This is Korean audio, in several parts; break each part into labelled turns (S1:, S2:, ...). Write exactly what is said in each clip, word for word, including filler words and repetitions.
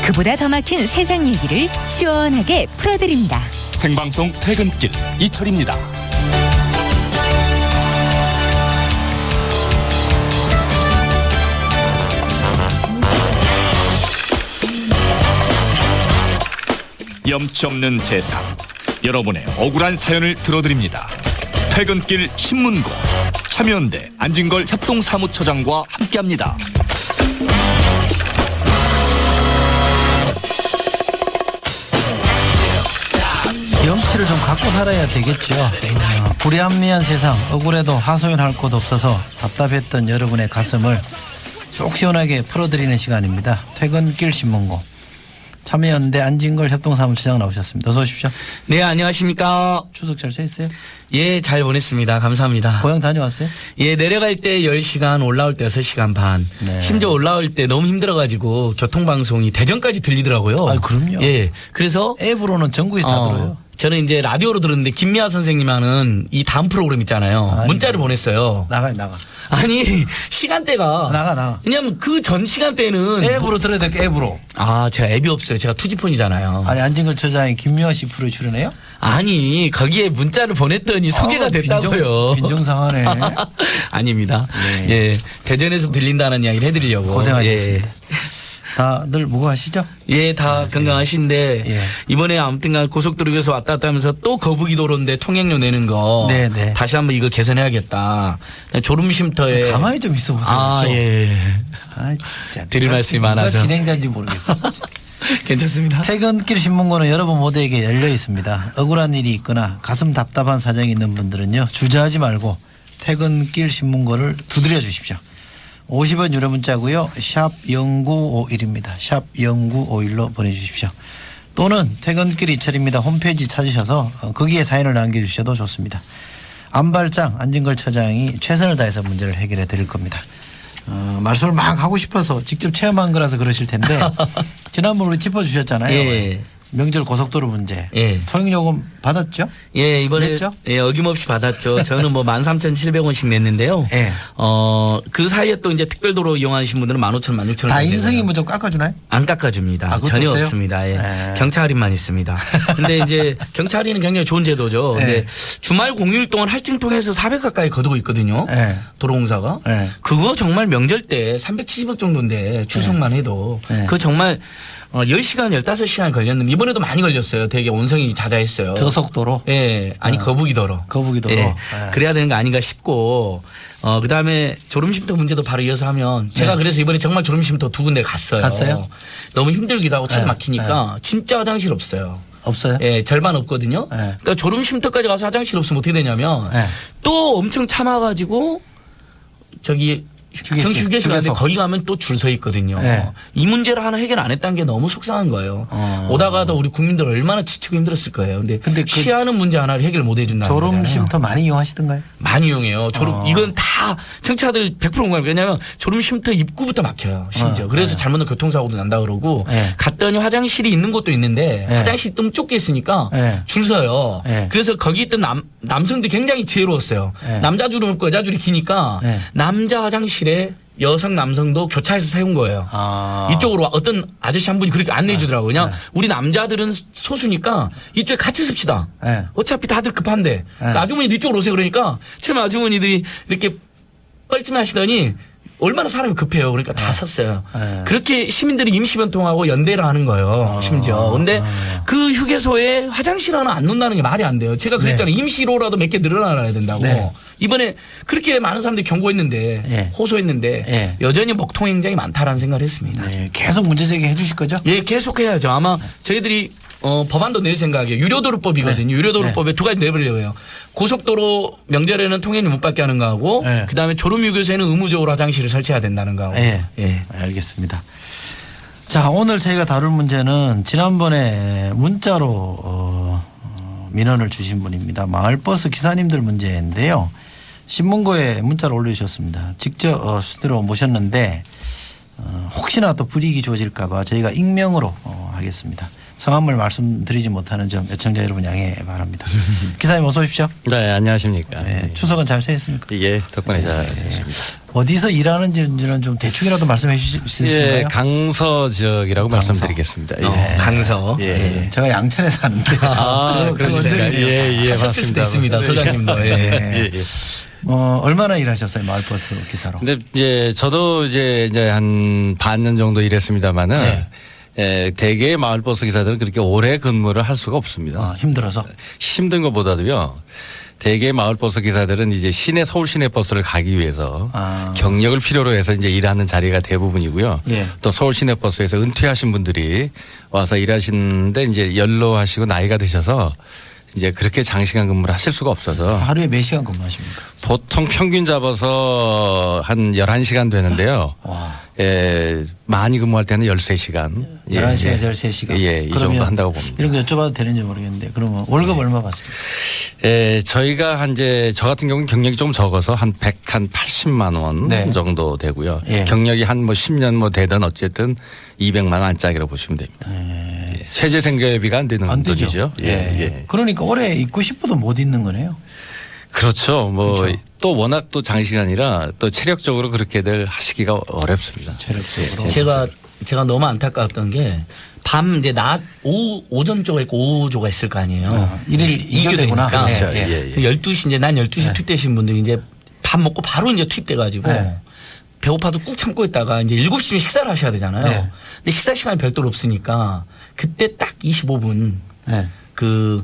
S1: 그보다 더 막힌 세상 얘기를 시원하게 풀어드립니다.
S2: 생방송 퇴근길 이철입니다. 염치 없는 세상, 여러분의 억울한 사연을 들어드립니다. 퇴근길 신문고, 참여연대 안진걸 협동사무처장과 함께합니다.
S3: 염치를 좀 갖고 살아야 되겠죠. 어, 불합리한 세상, 억울해도 하소연할 곳 없어서 답답했던 여러분의 가슴을 쏙 시원하게 풀어드리는 시간입니다. 퇴근길 신문고, 참여연대 안진걸 협동사무처장 나오셨습니다. 어서 오십시오.
S4: 네, 안녕하십니까.
S3: 추석 잘 쉬었어요?
S4: 예, 잘 보냈습니다. 감사합니다.
S3: 고향 다녀왔어요?
S4: 예, 내려갈 때 열 시간, 올라올 때 여섯 시간 반.
S3: 네.
S4: 심지어 올라올 때 너무 힘들어가지고 교통방송이 대전까지 들리더라고요.
S3: 아, 그럼요.
S4: 예, 그래서
S3: 앱으로는 전국에서 다
S4: 어,
S3: 들어요.
S4: 저는 이제 라디오로 들었는데 김미아 선생님 하는 이 다음 프로그램 있잖아요.
S3: 아니,
S4: 문자를 보냈어요.
S3: 나가 나가.
S4: 아니, 시간대가.
S3: 나가, 나가.
S4: 왜냐면 그 전 시간대는.
S3: 앱으로 들어야 될 게 앱으로.
S4: 아, 제가 앱이 없어요. 제가 투지폰이잖아요.
S3: 아니, 안진걸 처장이 김미화 씨 프로에 출연해요?
S4: 아니, 거기에 문자를 보냈더니 소개가
S3: 아,
S4: 됐다고요.
S3: 빈정, 빈정상하네.
S4: 아닙니다.
S3: 네.
S4: 예, 대전에서 들린다는 이야기를 해드리려고.
S3: 고생하셨습니다.
S4: 예.
S3: 다들 무거하시죠?
S4: 예, 다 건강하신데
S3: 예.
S4: 이번에 아무튼간 고속도로 위에서 왔다 갔다 하면서 또 거북이 도로인데 통행료 내는 거
S3: 네, 네.
S4: 다시 한번 이거 개선해야겠다. 졸음 쉼터에
S3: 가만히 좀 있어 보세요.
S4: 아,
S3: 그렇죠?
S4: 예.
S3: 아, 진짜.
S4: 드릴
S3: 누가-
S4: 말씀이
S3: 누가
S4: 많아서.
S3: 진행자인지 모르겠어.
S4: 괜찮습니다.
S3: 퇴근길 신문고는 여러분 모두에게 열려 있습니다. 억울한 일이 있거나 가슴 답답한 사정이 있는 분들은요, 주저하지 말고 퇴근길 신문고를 두드려 주십시오. 오십 원 유료 문자고요. 샵 영구오일입니다. 샵 영구오일로 보내주십시오. 또는 퇴근길 이철입니다. 홈페이지 찾으셔서 거기에 사연을 남겨주셔도 좋습니다. 안발장 안진걸 처장이 최선을 다해서 문제를 해결해 드릴 겁니다. 어, 말씀을 막 하고 싶어서 직접 체험한 거라서 그러실 텐데 지난번 우리 짚어주셨잖아요.
S4: 예.
S3: 명절 고속도로 문제.
S4: 예.
S3: 통행요금 받았죠?
S4: 예, 이번에
S3: 냈죠?
S4: 예, 어김없이 받았죠. 저는 뭐 만 삼천칠백 원씩 냈는데요.
S3: 예.
S4: 어, 그 사이에 또 이제 특별도로 이용하신 분들은 만 오천 원, 만 육천 원.
S3: 다 인승이 뭐 좀 깎아주나요?
S4: 안 깎아줍니다.
S3: 아, 그것도
S4: 전혀
S3: 없어요?
S4: 없습니다. 예.
S3: 예.
S4: 경차 할인만 있습니다. 근데 이제 경차 할인은 굉장히 좋은 제도죠.
S3: 예.
S4: 근데 주말 공휴일 동안 할증 통해서 사백 가까이 거두고 있거든요.
S3: 예.
S4: 도로공사가.
S3: 예.
S4: 그거 정말 명절 때 삼백칠십억 정도인데 추석만 해도
S3: 예.
S4: 그거 정말 어, 열 시간, 열다섯 시간 걸렸는데 이번에도 많이 걸렸어요. 되게 온성이 잦아했어요.
S3: 저속도로?
S4: 예. 아니,
S3: 어.
S4: 거북이도로.
S3: 거북이도로.
S4: 예.
S3: 예.
S4: 그래야 되는 거 아닌가 싶고, 어, 그 다음에 졸음쉼터 문제도 바로 이어서 하면 제가
S3: 네.
S4: 그래서 이번에 정말 졸음쉼터 두 군데 갔어요.
S3: 갔어요?
S4: 너무 힘들기도 하고 차도
S3: 네.
S4: 막히니까 진짜 화장실 없어요.
S3: 없어요?
S4: 예, 절반 없거든요.
S3: 네.
S4: 그러니까 졸음쉼터까지 가서 화장실 없으면 어떻게 되냐면
S3: 네.
S4: 또 엄청 참아가지고 저기
S3: 휴게실,
S4: 정시 휴게실 가는데
S3: 휴게소.
S4: 거기 가면 또 줄 서 있거든요.
S3: 네.
S4: 이 문제를 하나 해결 안 했다는 게 너무 속상한 거예요.
S3: 어.
S4: 오다가도 우리 국민들 얼마나 지치고 힘들었을 거예요. 근데,
S3: 근데 그
S4: 취하는 문제 하나를 해결 못 해준다는 거잖아요.
S3: 졸음쉼터 많이 이용하시던가요?
S4: 많이 이용해요. 졸음
S3: 어.
S4: 이건 다 청취자들 백 퍼센트 공감. 왜냐하면 졸음 쉼터 입구부터 막혀요. 심지어.
S3: 어.
S4: 그래서
S3: 네.
S4: 잘못하면 교통사고도 난다 그러고
S3: 네.
S4: 갔더니 화장실이 있는 곳도 있는데
S3: 네.
S4: 화장실이 좀 좁게 있으니까
S3: 네.
S4: 줄 서요.
S3: 네.
S4: 그래서 거기 있던 남, 남성들이 굉장히 지혜로웠어요.
S3: 네.
S4: 남자 줄은 없고 여자 줄이 기니까
S3: 네.
S4: 남자 화장실에 여성 남성도 교차해서 세운 거예요.
S3: 아.
S4: 이쪽으로 와. 어떤 아저씨 한 분이 그렇게 안내해 주더라고요. 그냥
S3: 네.
S4: 우리 남자들은 소수니까 이쪽에 같이 씁시다.
S3: 네.
S4: 어차피 다들 급한데
S3: 네.
S4: 아주머니 이쪽으로 오세요. 그러니까 처음 아주머니들이 이렇게 뻘쭘하시더니 얼마나 사람이 급해요. 그러니까 다 섰어요.
S3: 네.
S4: 그렇게 시민들이 임시변통하고 연대를 하는 거예요. 심지어. 근데 그 휴게소에 화장실 하나 안 놓는다는 게 말이 안 돼요. 제가 그랬잖아요. 임시로라도 몇 개 늘어나야 된다고.
S3: 네.
S4: 이번에 그렇게 많은 사람들이 경고했는데
S3: 네.
S4: 호소했는데
S3: 네.
S4: 여전히 먹통 행정이 많다라는 생각을 했습니다.
S3: 네, 계속 문제 제기해 주실 거죠?
S4: 예, 계속 해야죠. 아마 저희들이 어, 법안도 낼 생각이에요. 유료도로법이거든요.
S3: 네.
S4: 유료도로법에 두 가지 내버리려고 해요. 고속도로 명절에는 통행료 못 받게 하는 거하고
S3: 네.
S4: 그다음에 졸음유교소에는 의무적으로 화장실을 설치해야 된다는 거하고.
S3: 예.
S4: 예.
S3: 알겠습니다. 자, 오늘 저희가 다룰 문제는 지난번에 문자로 어, 어, 민원을 주신 분입니다. 마을버스 기사님들 문제인데요. 신문고에 문자를 올려주셨습니다. 직접 어, 스튜디오로 모셨는데 어, 혹시나 또 불이익이 주어질까 봐 저희가 익명으로 어, 하겠습니다. 성함을 말씀드리지 못하는 점 애청자 여러분 양해 바랍니다. 기사님 어서 오십시오.
S5: 네, 안녕하십니까.
S3: 네, 추석은 잘 지냈습니까?
S5: 예, 덕분에 잘 지냈습니다.
S3: 어디서 일하는지는 좀 대충이라도 말씀해 주실 수 있을까요?
S5: 예, 강서 지역이라고
S3: 강서.
S5: 말씀드리겠습니다. 예.
S4: 어, 강서.
S5: 예.
S4: 예.
S3: 제가 양천에 사는데
S5: 아,
S3: 그런
S5: 그러시니까.
S3: 언제인지
S5: 예, 예,
S4: 하셨을 수도
S5: 맞습니다.
S4: 있습니다.
S5: 네.
S4: 소장님도. 예.
S5: 예, 예.
S3: 어, 얼마나 일하셨어요 마을버스 기사로?
S5: 근데 이제 저도 이제 이제 한 반년 정도 일했습니다만은
S3: 네.
S5: 예, 대개 마을버스 기사들은 그렇게 오래 근무를 할 수가 없습니다.
S3: 아, 힘들어서.
S5: 힘든 것보다도요. 대개 마을버스 기사들은 이제 시내 서울 시내 버스를 가기 위해서
S3: 아.
S5: 경력을 필요로 해서 이제 일하는 자리가 대부분이고요.
S3: 예.
S5: 또 서울 시내 버스에서 은퇴하신 분들이 와서 일하시는데 이제 연로하시고 나이가 드셔서 이제 그렇게 장시간 근무를 하실 수가 없어서
S3: 하루에 몇 시간 근무하십니까?
S5: 보통 평균 잡아서 한 열한 시간 되는데요.
S3: 와.
S5: 예, 많이 근무할 때는 열세 시간.
S3: 열한 시간에서 열세 시간.
S5: 예, 이 정도 한다고 봅니다.
S3: 이런 거 여쭤봐도 되는지 모르겠는데 그러면 월급 얼마 받습니까?
S5: 예, 저희가 한 이제 저 같은 경우는 경력이 좀 적어서 한 백팔십만 원
S3: 네.
S5: 정도 되고요.
S3: 예.
S5: 경력이 한 뭐 십 년 뭐 되든 어쨌든 이백만 원 안짝이라고 보시면 됩니다. 예. 최저 생계비가 안 되는
S3: 안 되죠.
S5: 돈이죠. 예, 예.
S3: 그러니까 올해 있고 싶어도 못 있는 거네요.
S5: 그렇죠. 뭐
S3: 그렇죠.
S5: 또 워낙 또 장시간이라 또 체력적으로 그렇게들 하시기가 어렵습니다.
S3: 체력적으로.
S4: 제가 제가 너무 안타까웠던 게 밤 이제 낮 오후 오전 조가 있고 오후 조가 있을 거 아니에요.
S3: 아, 일일
S4: 이교대니까.
S3: 이교대구나.
S5: 그렇죠.
S3: 예, 예.
S5: 예, 예.
S4: 열두 시 이제 난 열두 시
S3: 네.
S4: 투입되신 분들이 이제 밥 먹고 바로 이제 투입돼 가지고
S3: 네.
S4: 배고파도 꾹 참고 있다가 이제 일곱 시면 식사를 하셔야 되잖아요.
S3: 네.
S4: 근데 식사 시간이 별도로 없으니까 그때 딱 이십오 분
S3: 네.
S4: 그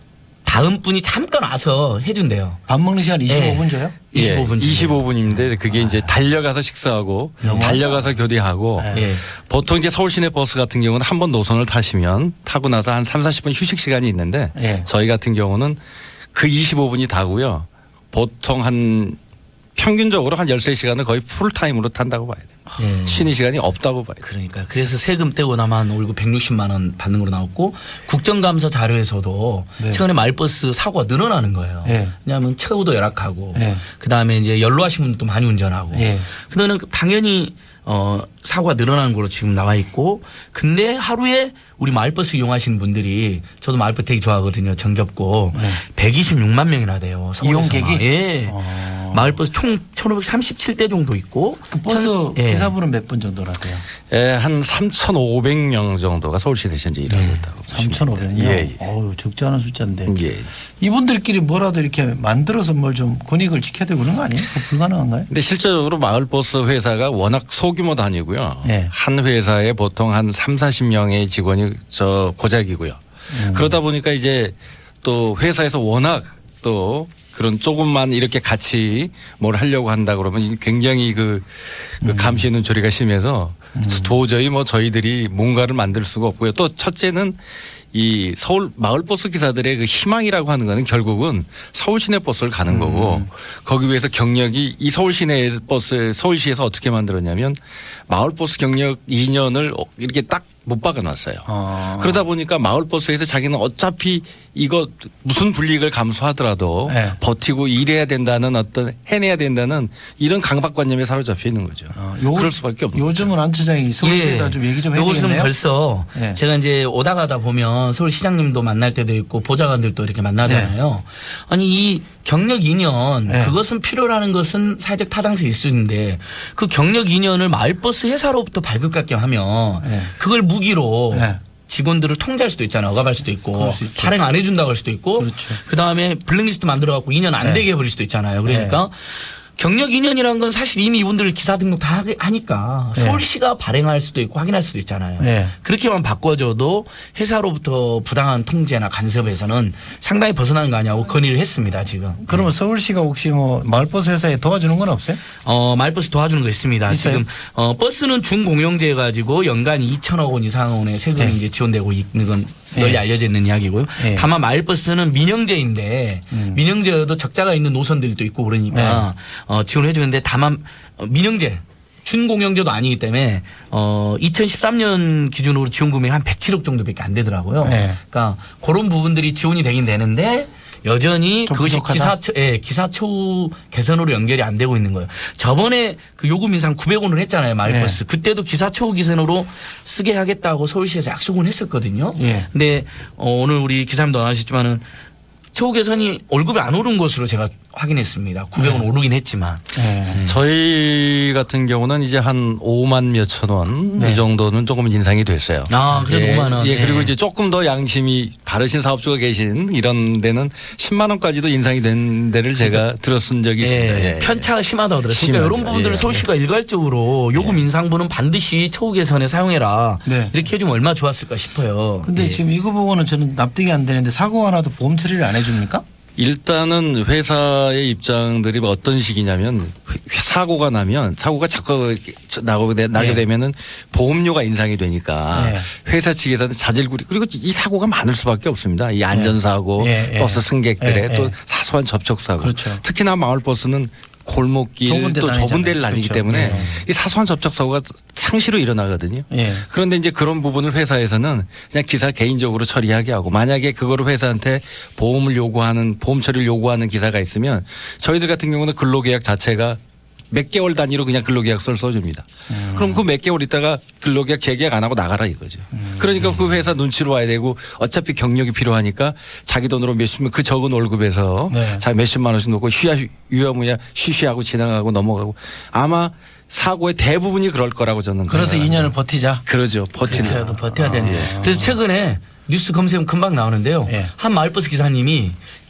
S4: 다음 분이 잠깐 와서 해준대요.
S3: 밥 먹는 시간 이십오 분 줘요?
S4: 이십오 분.
S5: 예, 이십오 분인데 그게 이제 달려가서 식사하고
S3: 너무하다.
S5: 달려가서 교대하고
S3: 네.
S4: 예.
S5: 보통 이제 서울 시내 버스 같은 경우는 한 번 노선을 타시면 타고 나서 한 삼, 사십 분 휴식 시간이 있는데
S3: 예.
S5: 저희 같은 경우는 그 이십오 분이 다고요. 보통 한 평균적으로 한 열세 시간을 거의 풀타임으로 탄다고 봐야 돼요.
S4: 예.
S5: 쉬는 시간이 없다고 봐야 돼요.
S4: 그러니까 그래서 세금 떼고 나만 월급 백육십만 원 받는 걸로 나왔고 국정감사 자료에서도
S3: 네.
S4: 최근에 마을버스 사고가 늘어나는 거예요.
S3: 네.
S4: 왜냐하면 최후도 열악하고
S3: 네.
S4: 그다음에 이제 연로하신 분도 많이 운전하고
S3: 네.
S4: 그거는 당연히 어 사고가 늘어나는 걸로 지금 나와 있고 근데 하루에 우리 마을버스 이용하시는 분들이 저도 마을버스 되게 좋아하거든요. 정겹고
S3: 네.
S4: 백이십육만 명이나 돼요. 서울에서만.
S3: 이용객이?
S4: 예.
S3: 어.
S4: 마을버스 총 천오백삼십칠 대 정도 있고
S3: 그 버스
S4: 천- 예.
S3: 기사분은 몇 분 정도라고요?
S5: 예, 한 삼천오백 명 정도가 서울시내에서 이제 일하고 있다고 보시면
S3: 삼천오백 명.
S5: 됩니다. 예, 예.
S3: 어우, 적지 않은 숫자인데.
S5: 예.
S3: 이분들끼리 뭐라도 이렇게 만들어서 뭘 좀 권익을 지켜야 되고 그런 거 아니에요? 그거 불가능한가요?
S5: 근데 실제적으로 마을버스 회사가 워낙 소규모 단위고요.
S3: 네.
S5: 한 회사에 보통 한 삼사십 명의 직원이 저 고작이고요.
S3: 음.
S5: 그러다 보니까 이제 또 회사에서 워낙 또 그런 조금만 이렇게 같이 뭘 하려고 한다 그러면 이게 굉장히 그, 그
S3: 음.
S5: 감시의 눈초리가 심해서 도저히 뭐 저희들이 뭔가를 만들 수가 없고요. 또 첫째는 이 서울 마을버스 기사들의 그 희망이라고 하는 거는 결국은 서울 시내 버스를 가는 거고
S3: 음.
S5: 거기 위해서 경력이 이 서울 시내 버스 서울시에서 어떻게 만들었냐면 마을버스 경력 이 년을 이렇게 딱 못 박아놨어요.
S3: 어.
S5: 그러다 보니까 마을버스에서 자기는 어차피 이거 무슨 불이익을 감수하더라도
S3: 네.
S5: 버티고 일해야 된다는 어떤 해내야 된다는 이런 강박관념에 사로잡혀 있는 거죠.
S3: 어, 요-
S5: 그럴 수밖에 없는 거죠.
S3: 요즘은 안 처장이 서울시에다 좀 얘기 좀 해야
S4: 요것은
S3: 되겠네요.
S4: 벌써
S3: 네.
S4: 제가 이제 오다 가다 보면 서울시장님도 만날 때도 있고 보좌관들도 이렇게 만나잖아요. 아니 이 경력 이 년
S3: 네.
S4: 그것은 필요라는 것은 사회적 타당성이 있을 수 있는데 그 경력 이 년을 마을버스 회사로부터 발급받게 하면
S3: 네.
S4: 그걸 무기로
S3: 네.
S4: 직원들을 통제할 수도 있잖아요. 억압할 수도 있고
S3: 그럴 수 있죠.
S4: 발행 안 해준다고 할 수도 있고
S3: 그렇죠.
S4: 그다음에 블랙리스트 만들어 갖고 이 년 안
S3: 네.
S4: 되게 해버릴 수도 있잖아요. 그러니까 경력 이 년이라는 건 사실 이미 이분들 기사 등록 다 하니까
S3: 네.
S4: 서울시가 발행할 수도 있고 확인할 수도 있잖아요.
S3: 네.
S4: 그렇게만 바꿔줘도 회사로부터 부당한 통제나 간섭에서는 상당히 벗어나는 거 아니냐고 건의를 했습니다. 지금.
S3: 그러면 서울시가 혹시 뭐 마을버스 회사에 도와주는 건 없어요?
S4: 어, 마을버스 도와주는 거 있습니다.
S3: 있어요?
S4: 지금 어, 버스는 준공영제 가지고 연간 이천억 원 이상의 세금이
S3: 네.
S4: 이제 지원되고 있는 건 널리
S3: 네.
S4: 알려져 있는 이야기고요.
S3: 네.
S4: 다만 마을버스는 민영제인데
S3: 음.
S4: 민영제여도 적자가 있는 노선들도 있고 그러니까
S3: 네.
S4: 어, 지원해 주는데 다만 어, 민영제 준공영제도 아니기 때문에 어 이천십삼 년 기준으로 지원 금액이 한 백칠억 정도밖에 안 되더라고요.
S3: 네.
S4: 그러니까 그런 부분들이 지원이 되긴 되는데 여전히
S3: 좀
S4: 그것이
S3: 부족하다?
S4: 기사 예, 기사처우 개선으로 연결이 안 되고 있는 거예요. 저번에 그 요금 인상 구백 원을 했잖아요. 마을버스.
S3: 네.
S4: 그때도 기사처우 개선으로 쓰게 하겠다고 서울시에서 약속은 했었거든요.
S3: 예.
S4: 근데 어, 오늘 우리 기사님도 안 하셨지만은 처우 개선이 월급이 안 오른 것으로 제가 확인했습니다. 구백 원 오르긴 했지만.
S3: 네.
S5: 저희 같은 경우는 이제 한 오만 몇천 원 이
S3: 네.
S5: 정도는 조금 인상이 됐어요.
S4: 아, 그래도
S5: 예,
S4: 오만 원.
S5: 예, 그리고
S4: 예.
S5: 이제 조금 더 양심이 바르신 사업주가 계신 이런 데는 십만 원까지도 인상이 된 데를 제가 들었은 적이 있습니다.
S4: 예,
S5: 예, 예.
S4: 편차가 심하다고 들었어요.
S5: 심하죠.
S4: 그러니까 이런 부분들을
S5: 예.
S4: 서울시가 일괄적으로 요금 인상분은 반드시 처우 개선에 사용해라.
S3: 네.
S4: 이렇게 해주면 얼마나 좋았을까 싶어요.
S3: 근데
S4: 예.
S3: 지금 이거 보고는 저는 납득이 안 되는데 사고가 나도 보험 처리를 안 해줍니까?
S5: 일단은 회사의 입장들이 어떤 식이냐면 회- 사고가 나면 사고가 자꾸 나고 나게
S3: 예.
S5: 되면은 보험료가 인상이 되니까
S3: 예.
S5: 회사 측에서는 자질구리 그리고 이 사고가 많을 수밖에 없습니다. 이 안전사고
S3: 예, 예.
S5: 버스 승객들의
S3: 예,
S5: 또
S3: 예.
S5: 사소한 접촉사고
S3: 그렇죠.
S5: 특히나 마을버스는 골목길
S3: 좁은 데
S5: 또 좁은
S3: 다니잖아요.
S5: 데를 다니기
S3: 그렇죠.
S5: 때문에
S3: 예.
S5: 이 사소한 접촉사고가 상시로 일어나거든요.
S3: 예.
S5: 그런데 이제 그런 부분을 회사에서는 그냥 기사 개인적으로 처리하게 하고 만약에 그거를 회사한테 보험을 요구하는 보험 처리를 요구하는 기사가 있으면 저희들 같은 경우는 근로계약 자체가 몇 개월 단위로 그냥 근로계약서를 써줍니다.
S3: 음.
S5: 그럼 그 몇 개월 있다가 근로계약 재계약 안 하고 나가라 이거죠.
S3: 음.
S5: 그러니까 그 회사 눈치로 와야 되고 어차피 경력이 필요하니까 자기 돈으로 몇십만 그 적은 월급에서
S3: 네.
S5: 자 몇십만 원씩 놓고 쉬야 유야무야 쉬쉬하고 지나가고 넘어가고 아마 사고의 대부분이 그럴 거라고 저는
S3: 그래서
S5: 생각합니다.
S3: 이 년을 버티자.
S5: 그러죠. 버티는.
S4: 그렇게라도 버텨야 되는. 그래서 최근에 뉴스 검색하면 금방 나오는데요.
S3: 예.
S4: 한 마을버스 기사님이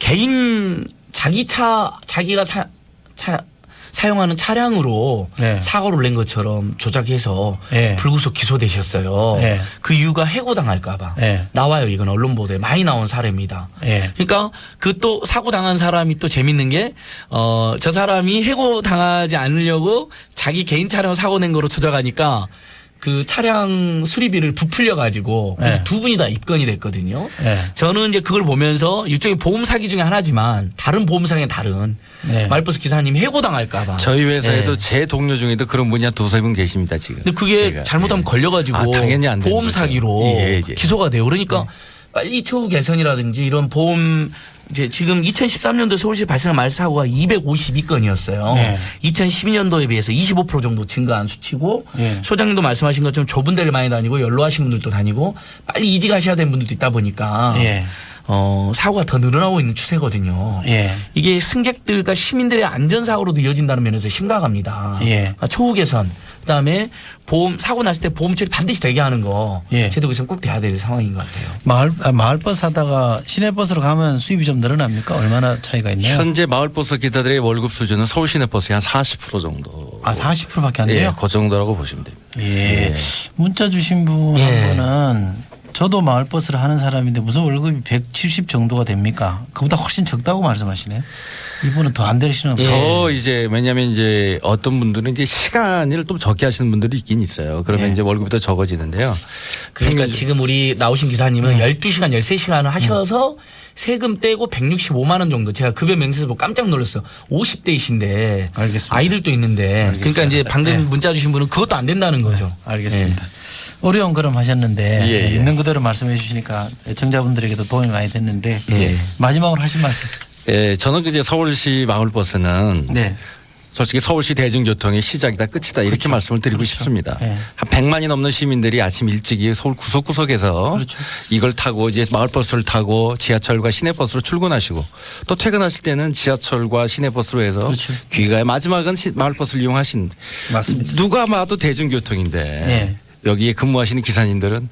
S4: 개인 자기 차 자기가 사, 차 사용하는 차량으로
S3: 네.
S4: 사고를 낸 것처럼 조작해서
S3: 예.
S4: 불구속 기소되셨어요.
S3: 예.
S4: 그 이유가 해고당할까봐.
S3: 예.
S4: 나와요. 이건 언론 보도에 많이 나온 사례입니다.
S3: 예.
S4: 그러니까 그 또 사고 당한 사람이 또 재밌는 게 어 저 사람이 해고 당하지 않으려고 자기 개인 차량 사고 낸 거로 조작하니까 그 차량 수리비를 부풀려 가지고 그래서
S3: 네.
S4: 두 분이 다 입건이 됐거든요.
S3: 네.
S4: 저는 이제 그걸 보면서 일종의 보험 사기 중에 하나지만 다른 보험상의 다른
S3: 네.
S4: 말버스 기사님이 해고 당할까봐.
S5: 저희 회사에도
S4: 네.
S5: 제 동료 중에도 그런 분이 한 두세 분 계십니다 지금.
S4: 근데 그게
S5: 제가.
S4: 잘못하면
S5: 예.
S4: 걸려가지고
S5: 아, 당연히 안 되는
S4: 보험
S5: 거죠.
S4: 사기로
S5: 예, 예.
S4: 기소가 돼요. 그러니까 빨리 처우 개선이라든지 이런 보험 이제 지금 이천십삼 년도 서울시 발생한 말사고가 이백오십이 건이었어요.
S3: 네.
S4: 이천십이 년도에 비해서 이십오 퍼센트 정도 증가한 수치고
S3: 네.
S4: 소장님도 말씀하신 것처럼 좁은 데를 많이 다니고 연로하신 분들도 다니고 빨리 이직하셔야 되는 분들도 있다 보니까
S3: 예.
S4: 어, 사고가 더 늘어나고 있는 추세거든요.
S3: 예.
S4: 이게 승객들과 시민들의 안전사고로도 이어진다는 면에서 심각합니다.
S3: 예.
S4: 그러니까 처우 개선, 그다음에 보험 사고 났을 때 보험 처리 반드시 되게 하는 거
S3: 예.
S4: 제도에서는 꼭 돼야 될 상황인 것 같아요.
S3: 마을 아, 마을버스 하다가 시내버스로 가면 수입이 좀 늘어납니까? 얼마나 차이가 있나요?
S5: 현재 마을버스 기사들의 월급 수준은 서울 시내버스의 한 사십 퍼센트 정도.
S3: 아 사십 퍼센트밖에 안
S5: 예,
S3: 돼요?
S5: 그 정도라고 보시면 됩니다.
S3: 예. 문자 주신 분
S4: 예.
S3: 한 분은 저도 마을버스를 하는 사람인데 무슨 월급이 백칠십 정도가 됩니까? 그보다 훨씬 적다고 말씀하시네요. 이분은 더 안 되시는
S4: 예.
S3: 분.
S5: 더 이제 왜냐하면 이제 어떤 분들은 이제 시간을 좀 적게 하시는 분들이 있긴 있어요. 그러면
S3: 예.
S5: 이제 월급이 더 적어지는데요.
S4: 그러니까
S5: 평균-
S4: 지금 우리 나오신 기사님은 열두 시간, 열세 시간을 하셔서 세금 떼고 백육십오만 원 정도. 제가 급여 명세서 보고 깜짝 놀랐어요. 오십 대이신데
S3: 알겠습니다.
S4: 아이들도 있는데 그러니까 이제 방금
S3: 네.
S4: 문자 주신 분은 그것도 안 된다는 거죠.
S3: 알겠습니다. 어려운 걸음 하셨는데
S5: 예, 예.
S3: 있는 그대로 말씀해 주시니까 애청자분들에게도 도움이 많이 됐는데
S4: 예.
S3: 마지막으로 하신 말씀.
S5: 예, 저는 이제 서울시 마을버스는
S3: 네.
S5: 솔직히 서울시 대중교통의 시작이다 끝이다 이렇게
S3: 그렇죠.
S5: 말씀을 드리고
S3: 그렇죠.
S5: 싶습니다.
S3: 네.
S5: 한 백만이 넘는 시민들이 아침 일찍이 서울 구석구석에서
S3: 그렇죠.
S5: 이걸 타고 이제 마을버스를 타고 지하철과 시내버스로 출근하시고 또 퇴근하실 때는 지하철과 시내버스로 해서
S3: 그렇죠.
S5: 귀가의 마지막은 시- 마을버스를 이용하신
S3: 맞습니다.
S5: 누가 봐도 대중교통인데
S3: 네.
S5: 여기에 근무하시는 기사님들은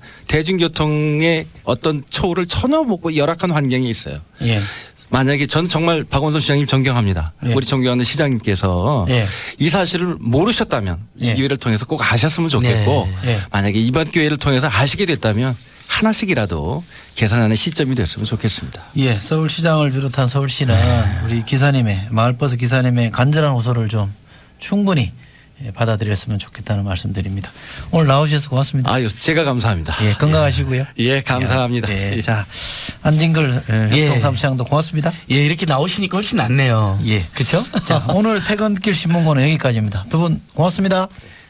S5: 대중교통의 어떤 처우를 전혀 보고 열악한 환경이 있어요.
S3: 예.
S5: 만약에 저는 정말 박원순 시장님 존경합니다.
S3: 예.
S5: 우리 존경하는 시장님께서
S3: 예.
S5: 이 사실을 모르셨다면
S3: 예.
S5: 이 기회를 통해서 꼭 아셨으면 좋겠고
S3: 네. 예.
S5: 만약에 이번 기회를 통해서 아시게 됐다면 하나씩이라도 개선하는 시점이 됐으면 좋겠습니다.
S3: 예, 서울시장을 비롯한 서울시는 우리 기사님의 마을버스 기사님의 간절한 호소를 좀 충분히 예, 받아들였으면 좋겠다는 말씀드립니다. 오늘 나오셔서 고맙습니다.
S5: 아유, 제가 감사합니다.
S3: 예, 건강하시고요.
S5: 예, 감사합니다.
S3: 예,
S5: 예.
S3: 자 안진걸
S4: 예.
S3: 협동사무장도 고맙습니다.
S4: 예, 이렇게 나오시니까 훨씬 낫네요.
S3: 예,
S4: 그렇죠?
S3: 자 오늘 퇴근길 신문고는 여기까지입니다. 두 분 고맙습니다.